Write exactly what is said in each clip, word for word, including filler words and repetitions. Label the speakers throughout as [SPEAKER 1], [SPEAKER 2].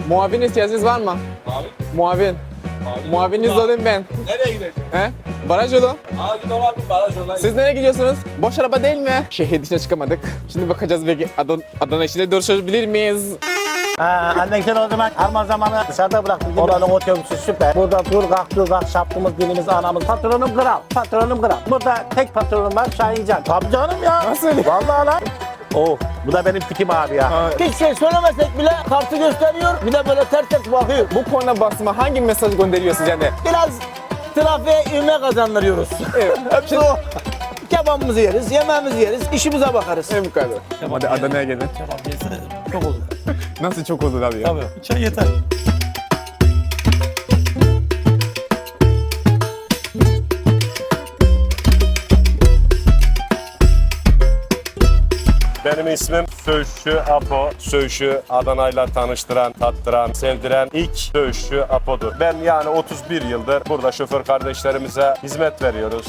[SPEAKER 1] Muavin ihtiyacınız var mı?
[SPEAKER 2] Abi.
[SPEAKER 1] Muavin.
[SPEAKER 2] Abi.
[SPEAKER 1] Muavininiz olayım ben.
[SPEAKER 2] Nereye gideceksin?
[SPEAKER 1] He? Baraj yolu.
[SPEAKER 2] Abi git olan bir baraj yoluna
[SPEAKER 1] Siz nereye gidiyorsunuz? Boş araba değil mi? Şehir dışına çıkamadık. Şimdi bakacağız belki Adana, Adana içinde duruşabilir miyiz?
[SPEAKER 3] Ha, annen sen o zaman alma zamanı dışarıda bıraktın. Oranın otobüsü süper. Burada dur kalk dur kalk şapkımız dilimiz anamız. Patronum kral. Patronum kral. Burada tek patronum var Şahincan. Tabii canım ya.
[SPEAKER 1] Nasıl?
[SPEAKER 3] Vallahi lan. Oh bu da benim tikim abi ya.
[SPEAKER 1] Ha,
[SPEAKER 4] Hiç şey söylemesek bile kartı gösteriyor. Bir de böyle ters ters bakıyor.
[SPEAKER 1] bu konuda basma hangi mesaj gönderiyorsunuz yani?
[SPEAKER 4] Biraz trafiğe ivme kazandırıyoruz.
[SPEAKER 1] Evet.
[SPEAKER 4] Hepsi o. Kebabımızı yeriz, yemeğimizi yeriz, işimize bakarız.
[SPEAKER 1] En bu kadar. Hadi Adana'ya gelin.
[SPEAKER 4] Kebap yesene çok olur.
[SPEAKER 1] Nasıl çok olur abi ya?
[SPEAKER 4] Tabii. Çay yeter.
[SPEAKER 5] Benim ismim Söğüşçü Apo. Söğüşü Adana'yla tanıştıran, tattıran, sevdiren ilk Söğüşçü Apo'dur. Ben yani otuz bir yıldır burada şoför kardeşlerimize hizmet veriyoruz.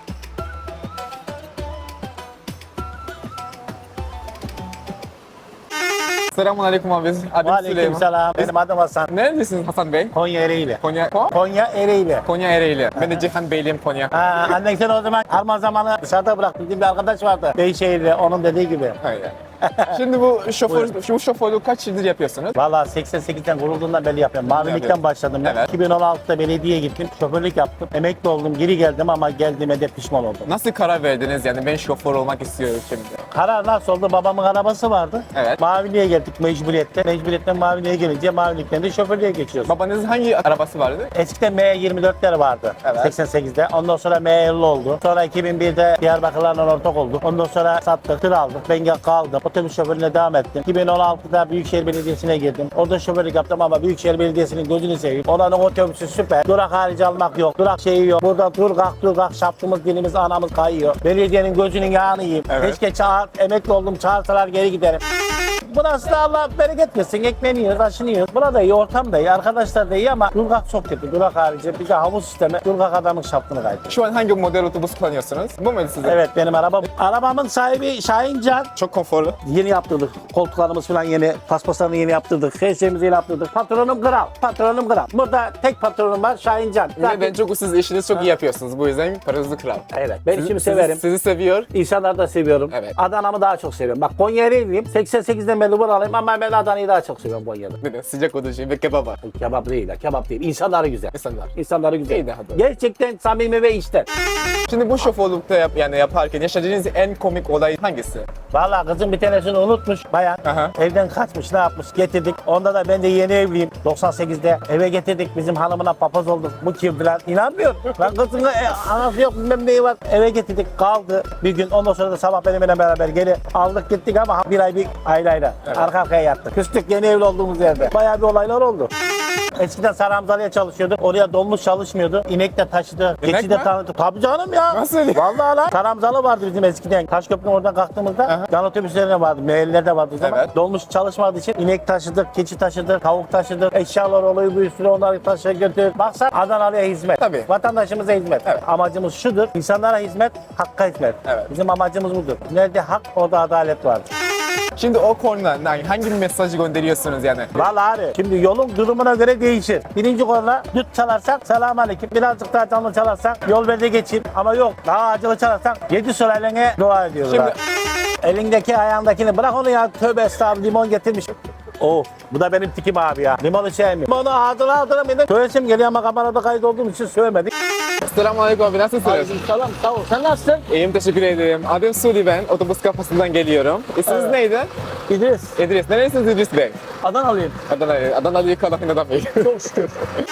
[SPEAKER 1] Selamun aleyküm abi. Adım
[SPEAKER 3] Aleyküm
[SPEAKER 1] Süleyman.
[SPEAKER 3] selam. Benim adım Hasan.
[SPEAKER 1] Neredesiniz Hasan Bey?
[SPEAKER 3] Konya Ereğli.
[SPEAKER 1] Konya. Ko?
[SPEAKER 3] Konya Ereğli.
[SPEAKER 1] Konya Ereğli. Ben de Cihan Beyliyim Konya.
[SPEAKER 3] Ha, annen sen o zaman alma zamanı dışarıda bıraktın. Bizim bir arkadaş vardı. Beyşehir'de onun dediği gibi.
[SPEAKER 1] Aynen. Şimdi bu şoför, şu şoförlüğü kaç yıldır yapıyorsunuz?
[SPEAKER 3] Valla seksen sekizden kurulduğundan beri yapıyorum. Mavilikten
[SPEAKER 1] Yapıyorum. başladım
[SPEAKER 3] başladım ben.
[SPEAKER 1] Evet.
[SPEAKER 3] iki bin on altıda belediyeye gittim. Şoförlük yaptım. Emekli oldum. Geri geldim ama geldiğime de pişman oldum.
[SPEAKER 1] Nasıl karar verdiniz yani ben şoför olmak istiyorum şimdi?
[SPEAKER 3] Karar nasıl oldu? Babamın arabası vardı.
[SPEAKER 1] Evet.
[SPEAKER 3] Maviliğe geldik mecburiyette. Mecburiyetten Maviliğe gelince Mavilikten de şoförlüğe geçiyoruz.
[SPEAKER 1] Babanızın hangi arabası vardı?
[SPEAKER 3] Eskiden M yirmi dörtler vardı.
[SPEAKER 1] Evet.
[SPEAKER 3] seksen sekizde. Ondan sonra M elli oldu. Sonra iki bin birde Diyarbakırlarla ortak olduk. Ondan sonra sattık, tır aldık. Ben kaldım. Otobüs şoförlüğüne devam ettim. iki bin on altıda Büyükşehir Belediyesi'ne girdim. Orada şoförlük yaptım ama Büyükşehir Belediyesi'nin gözünü seveyim. Oranın otobüsü süper. Durak harici almak yok. Durak şeyi yok. Burada dur kalk dur kalk şapkımız dilimiz anamız kayıyor. Belediyenin gözünün yağını yiyeyim.
[SPEAKER 1] Evet.
[SPEAKER 3] Keşke çağır, emekli oldum çağırsalar geri giderim. Burası da Allah bereket versin. Ekmeğini yiyoruz, aşını yiyoruz. Burada iyi, ortam da iyi, arkadaşlar da iyi ama Durgak çok kötü. Durak harici bir de havuz sistemi Durgak adamın şaftını kaydı.
[SPEAKER 1] Şu an hangi model otobüs kullanıyorsunuz? Bu mu sizin?
[SPEAKER 3] Evet benim arabam. Arabamın sahibi Şahincan.
[SPEAKER 1] Çok konforlu.
[SPEAKER 3] Yeni yaptırdık. Koltuklarımız falan yeni. Paspaslarını yeni yaptırdık. Her şeyimizi yeni yaptırdık. Patronum kral. Patronum kral. Burada tek patronum var Şahincan.
[SPEAKER 1] Ve ben çok siz işinizi çok iyi yapıyorsunuz. Bu yüzden paranızı kral.
[SPEAKER 3] Evet. Ben
[SPEAKER 1] Sizi-
[SPEAKER 3] işimi
[SPEAKER 1] sizi-
[SPEAKER 3] severim.
[SPEAKER 1] Sizi seviyor.
[SPEAKER 3] İnsanları da seviyorum.
[SPEAKER 1] Evet.
[SPEAKER 3] Adana'mı daha çok seviyorum. Bak Konya Ereğli'yim. seksen sekizden beri buralıyım ama ben Adana'yı daha çok seviyorum Konya'da.
[SPEAKER 1] Neden? Sıcak olduğu için ve kebap var.
[SPEAKER 3] Kebap değil ha, kebap değil. İnsanları güzel.
[SPEAKER 1] İnsanlar.
[SPEAKER 3] İnsanları güzel.
[SPEAKER 1] İyi daha doğru.
[SPEAKER 3] Gerçekten samimi ve içten.
[SPEAKER 1] Şimdi bu şoförlükte yap, yani yaparken yaşadığınız en komik olay hangisi?
[SPEAKER 3] Vallahi kızım bir tanesini unutmuş bayan.
[SPEAKER 1] Aha.
[SPEAKER 3] Evden kaçmış ne yapmış getirdik. Onda da ben de yeni evliyim. doksan sekizde eve getirdik. Bizim hanımına papaz olduk. Bu kim falan. İnanmıyor. Lan kızın e, anası yok bilmem neyi var. Eve getirdik kaldı bir gün. Ondan sonra da sabah benimle beraber geri aldık gittik ama bir ay bir ayrı
[SPEAKER 1] Evet.
[SPEAKER 3] arka arkaya yattık. Küstük yeni evli olduğumuz yerde. Bayağı bir olaylar oldu. Eskiden Saramzalı'ya çalışıyorduk. Oraya dolmuş çalışmıyordu. İnek de taşıdı.
[SPEAKER 1] İnek
[SPEAKER 3] Geçi de
[SPEAKER 1] mi?
[SPEAKER 3] tanıdı. Tabii canım ya.
[SPEAKER 1] Nasıl?
[SPEAKER 3] Vallahi lan. Saramzalı vardı bizim eskiden. Taşköprü'nün oradan kalktığımızda
[SPEAKER 1] Aha.
[SPEAKER 3] yan otobüslerine vardı. Meyellerde de vardı o zaman.
[SPEAKER 1] Evet.
[SPEAKER 3] Dolmuş çalışmadığı için inek taşıdık, keçi taşıdık, tavuk taşıdık. Eşyalar oluyor bir sürü onları taşıya götür. Baksan Adanalı'ya hizmet.
[SPEAKER 1] Tabii.
[SPEAKER 3] Vatandaşımıza hizmet.
[SPEAKER 1] Evet.
[SPEAKER 3] Amacımız şudur. İnsanlara hizmet, hakka hizmet.
[SPEAKER 1] Evet.
[SPEAKER 3] Bizim amacımız budur. Nerede hak orada adalet vardır.
[SPEAKER 1] Şimdi o konuda yani hangi mesajı gönderiyorsunuz yani?
[SPEAKER 3] Vallahi abi şimdi yolun durumuna göre değişir. Birinci konuda düt çalarsak selam aleyküm. Birazcık daha canlı çalarsak yol verde geçeyim. Ama yok daha acılı çalarsak yedi sülalene dua ediyoruz.
[SPEAKER 1] Şimdi-
[SPEAKER 3] abi. Elindeki ayağındakini bırak onu ya. Tövbe estağfurullah limon getirmiş. Oh bu da benim tikim abi ya. Limonu sevmiyorum. Limonu ağzına ağzına bir de söylesim geliyor ama kamerada kayıt olduğum için söylemedik.
[SPEAKER 1] Selamun aleyküm abi nasılsınız?
[SPEAKER 3] Selam sağ ol. Sen nasılsın?
[SPEAKER 1] İyiyim teşekkür ederim. Adım Sudi ben. Otobüs kafasından geliyorum. İsminiz neydi?
[SPEAKER 3] İdris.
[SPEAKER 1] İdris. Neresiniz İdris Bey?
[SPEAKER 3] Adanalıyım.
[SPEAKER 1] Adana, Adana'yı kadın adam değil.
[SPEAKER 3] Çok şükür.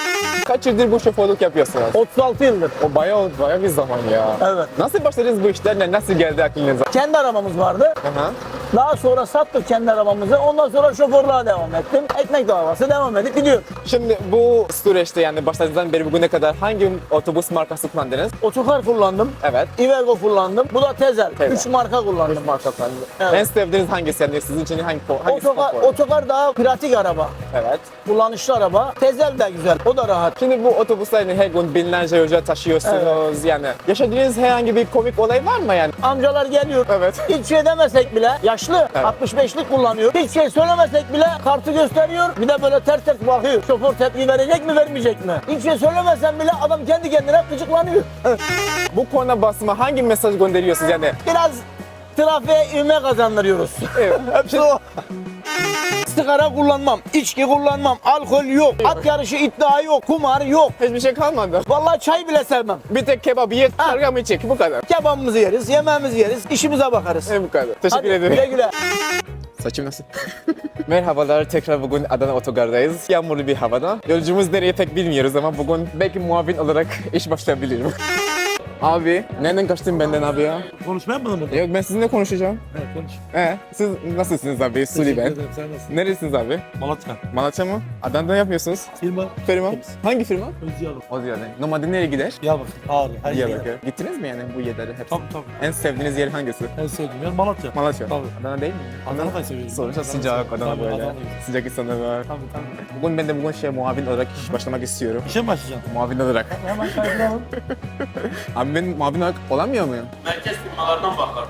[SPEAKER 1] Kaç yıldır bu şoförlük yapıyorsunuz?
[SPEAKER 3] otuz altı yıldır.
[SPEAKER 1] O bayağı bayağı bir zaman ya.
[SPEAKER 3] Evet.
[SPEAKER 1] Nasıl başladınız bu işlerle? Nasıl geldi aklınıza?
[SPEAKER 4] Kendi arabamız vardı.
[SPEAKER 1] Aha.
[SPEAKER 4] Daha sonra sattık kendi arabamızı. Ondan sonra şoförlüğe devam ettim. Ekmek davası devam edip gidiyor.
[SPEAKER 1] Şimdi bu süreçte yani başladığınızdan beri bugüne kadar hangi otobüs markası kullandınız?
[SPEAKER 4] Otokar kullandım.
[SPEAKER 1] Evet.
[SPEAKER 4] Iveco kullandım. Bu da Tezel.
[SPEAKER 1] Tezel.
[SPEAKER 4] Üç marka kullandım.
[SPEAKER 1] Üç marka kullandınız.
[SPEAKER 4] Evet.
[SPEAKER 1] En sevdiğiniz hangisi? Yani sizin için hangi hangisi
[SPEAKER 4] Otokar,
[SPEAKER 1] konfor?
[SPEAKER 4] otokar daha pratik araba.
[SPEAKER 1] Evet.
[SPEAKER 4] Kullanışlı araba. Tezel de güzel. O da rahat.
[SPEAKER 1] Şimdi bu otobüslerini her gün binlerce yolcu taşıyorsunuz yani. Yaşadığınız herhangi bir komik olay var mı yani?
[SPEAKER 4] Amcalar geliyor.
[SPEAKER 1] Evet.
[SPEAKER 4] Hiç şey demesek bile yaşlı yaşlı. altmış beşlik kullanıyor. Hiç şey söylemesek bile kartı gösteriyor. Bir de böyle ters ters bakıyor. Şoför tepki verecek mi vermeyecek mi? Hiç şey söylemesen bile adam kendi kendine gıcıklanıyor.
[SPEAKER 1] Bu korna basma hangi mesaj gönderiyorsunuz yani?
[SPEAKER 4] Biraz trafiğe ivme kazandırıyoruz.
[SPEAKER 1] Evet.
[SPEAKER 4] Hepsi o. Sigara kullanmam, içki kullanmam, alkol yok, at yarışı iddia yok, kumar yok.
[SPEAKER 1] Hiçbir şey kalmadı.
[SPEAKER 4] Vallahi çay bile sevmem.
[SPEAKER 1] Bir tek kebap ye, kargamı içecek. Bu kadar.
[SPEAKER 4] Kebabımızı yeriz, yemeğimizi yeriz, işimize bakarız.
[SPEAKER 1] Evet, bu kadar. Teşekkür
[SPEAKER 4] Hadi
[SPEAKER 1] ederim.
[SPEAKER 4] güle güle.
[SPEAKER 1] Saçım nasıl? Merhabalar, tekrar bugün Adana Otogar'dayız. Yağmurlu bir havada. Yolcumuz nereye pek bilmiyoruz ama bugün belki muavin olarak iş başlayabilirim. Abi, nereden kaçtın benden abi ya?
[SPEAKER 6] Konuşmaya mı mı?
[SPEAKER 1] Yok, ben sizinle konuşacağım.
[SPEAKER 6] Evet konuş.
[SPEAKER 1] Ee, siz nasılsınız abi? Suli
[SPEAKER 6] Teşekkür
[SPEAKER 1] ben.
[SPEAKER 6] ederim, sen nasılsın?
[SPEAKER 1] Neresiniz abi?
[SPEAKER 6] Malatya.
[SPEAKER 1] Malatya mı? Adana'da yapıyorsunuz.
[SPEAKER 6] Firma.
[SPEAKER 1] Firma? Hangi firma?
[SPEAKER 6] Özyalı.
[SPEAKER 1] O ziyade. Normalde nereye gider?
[SPEAKER 6] Diyarbakır. Ağrı. Her şey.
[SPEAKER 1] Diyarbakır. Gittiniz mi yani bu yerlere hepsi?
[SPEAKER 6] Tabii tabii.
[SPEAKER 1] En sevdiğiniz yer hangisi?
[SPEAKER 6] En sevdiğim yer Malatya.
[SPEAKER 1] Malatya.
[SPEAKER 6] Tabii.
[SPEAKER 1] Adana değil mi?
[SPEAKER 6] Adana'yı seviyorum.
[SPEAKER 1] Sonuçta
[SPEAKER 6] Adana
[SPEAKER 1] sıcak
[SPEAKER 6] seviyorum.
[SPEAKER 1] Adana
[SPEAKER 6] Tabii,
[SPEAKER 1] böyle.
[SPEAKER 6] Adana'yı.
[SPEAKER 1] Sıcak insanlar var.
[SPEAKER 6] Tabii tabii.
[SPEAKER 1] Bugün ben de bugün şey muavin olarak iş başlamak istiyorum.
[SPEAKER 6] İşe mi başlayacaksın?
[SPEAKER 1] Muavin olarak.
[SPEAKER 6] Hemen kaydıralım.
[SPEAKER 1] Abi ben muavin olarak olamıyor muyum?
[SPEAKER 2] Merkez firmalardan bakar.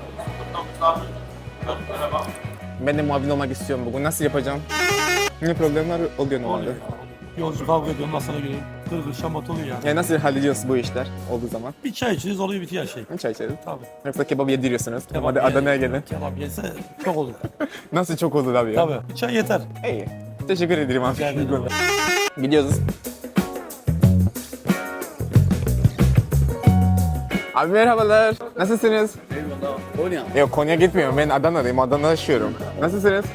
[SPEAKER 1] Ben de muavin olmak istiyorum bugün. Nasıl yapacağım? Ne problemler oluyor normalde?
[SPEAKER 6] Oluyor. Yolcu kavga ediyor, ondan sonra geliyor. Kırgır şamat oluyor yani.
[SPEAKER 1] Yani nasıl hallediyorsunuz bu işler olduğu zaman?
[SPEAKER 6] Bir çay içeriz oluyor bitiyor her şey.
[SPEAKER 1] Çay içeriz.
[SPEAKER 6] Tabii.
[SPEAKER 1] Yoksa kebap yediriyorsunuz.
[SPEAKER 6] Kebap
[SPEAKER 1] Hadi
[SPEAKER 6] ye-
[SPEAKER 1] Adana'ya gelin.
[SPEAKER 6] Kebap yese çok olur.
[SPEAKER 1] Nasıl çok olur abi ya?
[SPEAKER 6] Tabii. Bir çay yeter.
[SPEAKER 1] İyi. Teşekkür ederim abi.
[SPEAKER 6] Rica ederim.
[SPEAKER 1] Gidiyoruz. Abi merhabalar. Nasılsınız? Konya. Yok Konya gitmiyorum. Ben Adana'dayım. Adana'da yaşıyorum. Nasılsınız?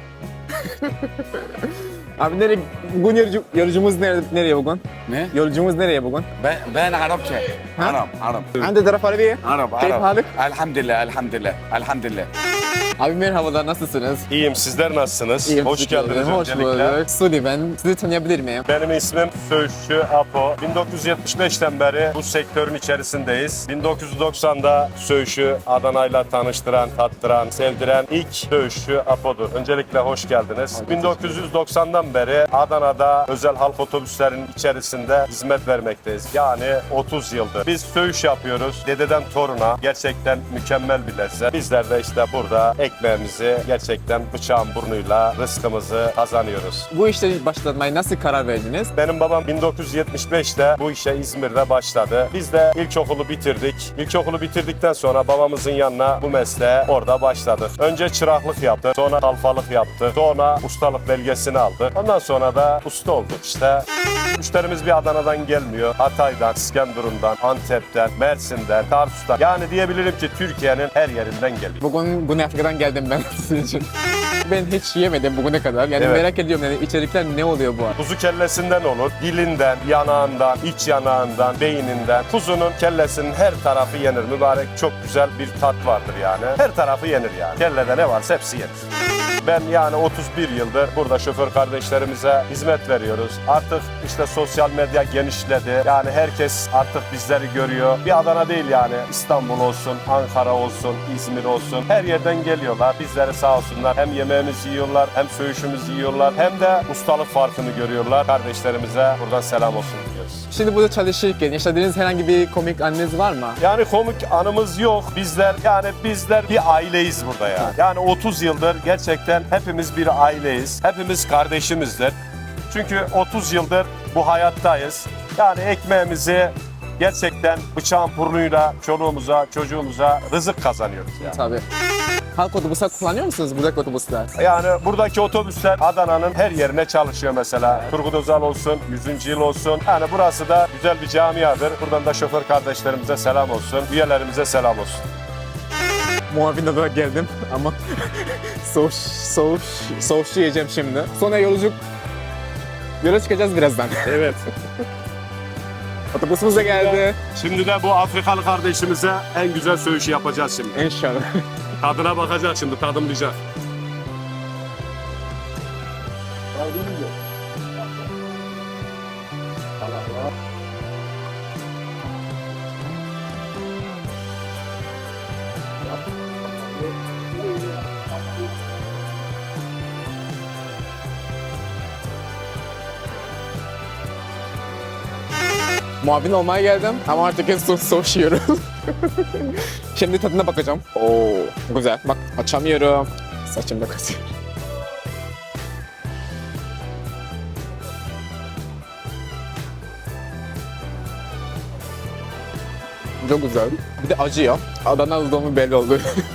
[SPEAKER 1] Abi nereye, bugün yolcu, yolcumuz nereye, nereye bugün?
[SPEAKER 7] Ne?
[SPEAKER 1] Yolcumuz nereye bugün?
[SPEAKER 7] Ben ben Arapça. Arap, Arap.
[SPEAKER 1] Hangi taraf Arabiye?
[SPEAKER 7] Arap,
[SPEAKER 1] Keyif
[SPEAKER 7] Arap.
[SPEAKER 1] halık?
[SPEAKER 7] Elhamdülillah, elhamdülillah, elhamdülillah.
[SPEAKER 1] Abi merhabalar, nasılsınız?
[SPEAKER 5] İyiyim, sizler nasılsınız?
[SPEAKER 1] İyiyim,
[SPEAKER 5] Hoş
[SPEAKER 1] teşekkür
[SPEAKER 5] geldiniz
[SPEAKER 1] ederim. Hoş
[SPEAKER 5] öncelikle.
[SPEAKER 1] bulduk. Suli ben. Sizi tanıyabilir miyim?
[SPEAKER 5] Benim ismim Söğüşçü Apo. bin dokuz yüz yetmiş beşten beri bu sektörün içerisindeyiz. bin dokuz yüz doksanda Söğüş'ü Adana'yla tanıştıran, tattıran, sevdiren ilk Söğüşçü Apo'dur. Öncelikle hoş geldiniz. bin dokuz yüz doksandan beri Adana'da özel halk otobüslerinin içerisinde hizmet vermekteyiz. Yani otuz yıldır. Biz Söğüş yapıyoruz. Dededen toruna. Gerçekten mükemmel bir lezzet. Bizler de işte burada ekmeğimizi gerçekten bıçağın burnuyla rızkımızı kazanıyoruz.
[SPEAKER 1] Bu işte başlatmaya nasıl karar verdiniz?
[SPEAKER 5] Benim babam bin dokuz yüz yetmiş beşte bu işe İzmir'de başladı. Biz de ilkokulu bitirdik. İlkokulu bitirdikten sonra babamızın yanına bu mesleğe orada başladık. Önce çıraklık yaptık, sonra kalfalık yaptık, sonra ustalık belgesini aldık. Ondan sonra da usta olduk işte. Müşterimiz bir Adana'dan gelmiyor. Hatay'dan, İskenderun'dan, Antep'ten, Mersin'den, Tarsus'tan. Yani diyebilirim ki Türkiye'nin her yerinden geliyor.
[SPEAKER 1] Bugün Güney Afrika'dan geldim ben sizin için. Ben hiç yemedim bugüne kadar. Yani
[SPEAKER 5] Evet.
[SPEAKER 1] merak ediyorum yani içerikler ne oluyor bu arada?
[SPEAKER 5] Kuzu kellesinden olur, dilinden, yanağından, iç yanağından, beyninden. Kuzunun kellesinin her tarafı yenir mübarek. Çok güzel bir tat vardır yani. Her tarafı yenir yani. Kellede ne varsa hepsi yenir. Ben yani otuz bir yıldır burada şoför kardeşlerimize hizmet veriyoruz. Artık işte sosyal medya genişledi. Yani herkes artık bizleri görüyor. Bir Adana değil yani. İstanbul olsun, Ankara olsun, İzmir olsun. Her yerden geliyorlar. Bizleri sağ olsunlar. Hem yemeğimizi yiyorlar, hem söğüşümüzü yiyorlar. Hem de ustalık farkını görüyorlar. Kardeşlerimize buradan selam olsun diyoruz.
[SPEAKER 1] Şimdi burada çalışırken yaşadığınız herhangi bir komik anınız var mı?
[SPEAKER 5] Yani komik anımız yok. Bizler yani bizler bir aileyiz burada ya. Yani otuz yıldır gerçekten hepimiz bir aileyiz. Hepimiz kardeşimizdir. Çünkü otuz yıldır bu hayattayız. Yani ekmeğimizi gerçekten bıçağın burnuyla çoluğumuza, çocuğumuza rızık kazanıyoruz yani.
[SPEAKER 1] Tabii. Halk otobüsler kullanıyor musunuz buradaki otobüsler?
[SPEAKER 5] Yani buradaki otobüsler Adana'nın her yerine çalışıyor mesela. Turgut Özal olsun, yüzüncü yıl olsun. Yani burası da güzel bir camiadır. Buradan da şoför kardeşlerimize selam olsun, üyelerimize selam olsun.
[SPEAKER 1] Muavin olarak geldim ama soğuş, soğuş, soğuşçu yiyeceğim şimdi. Sonra yolculuk, yola çıkacağız birazdan.
[SPEAKER 5] Evet.
[SPEAKER 1] Otobüsümüz de geldi.
[SPEAKER 5] Şimdi de bu Afrikalı kardeşimize en güzel söğüşü yapacağız şimdi.
[SPEAKER 1] İnşallah.
[SPEAKER 5] Tadına bakacak şimdi, tadımlayacak.
[SPEAKER 1] Muavin olmaya geldim ama artık en son soğuşuyorum. Şimdi tadına bakacağım. Oo, güzel. Bak açamıyorum. Saçımda kasıyor. Çok güzel. Bir de acı ya. Adana olduğumu belli oldu.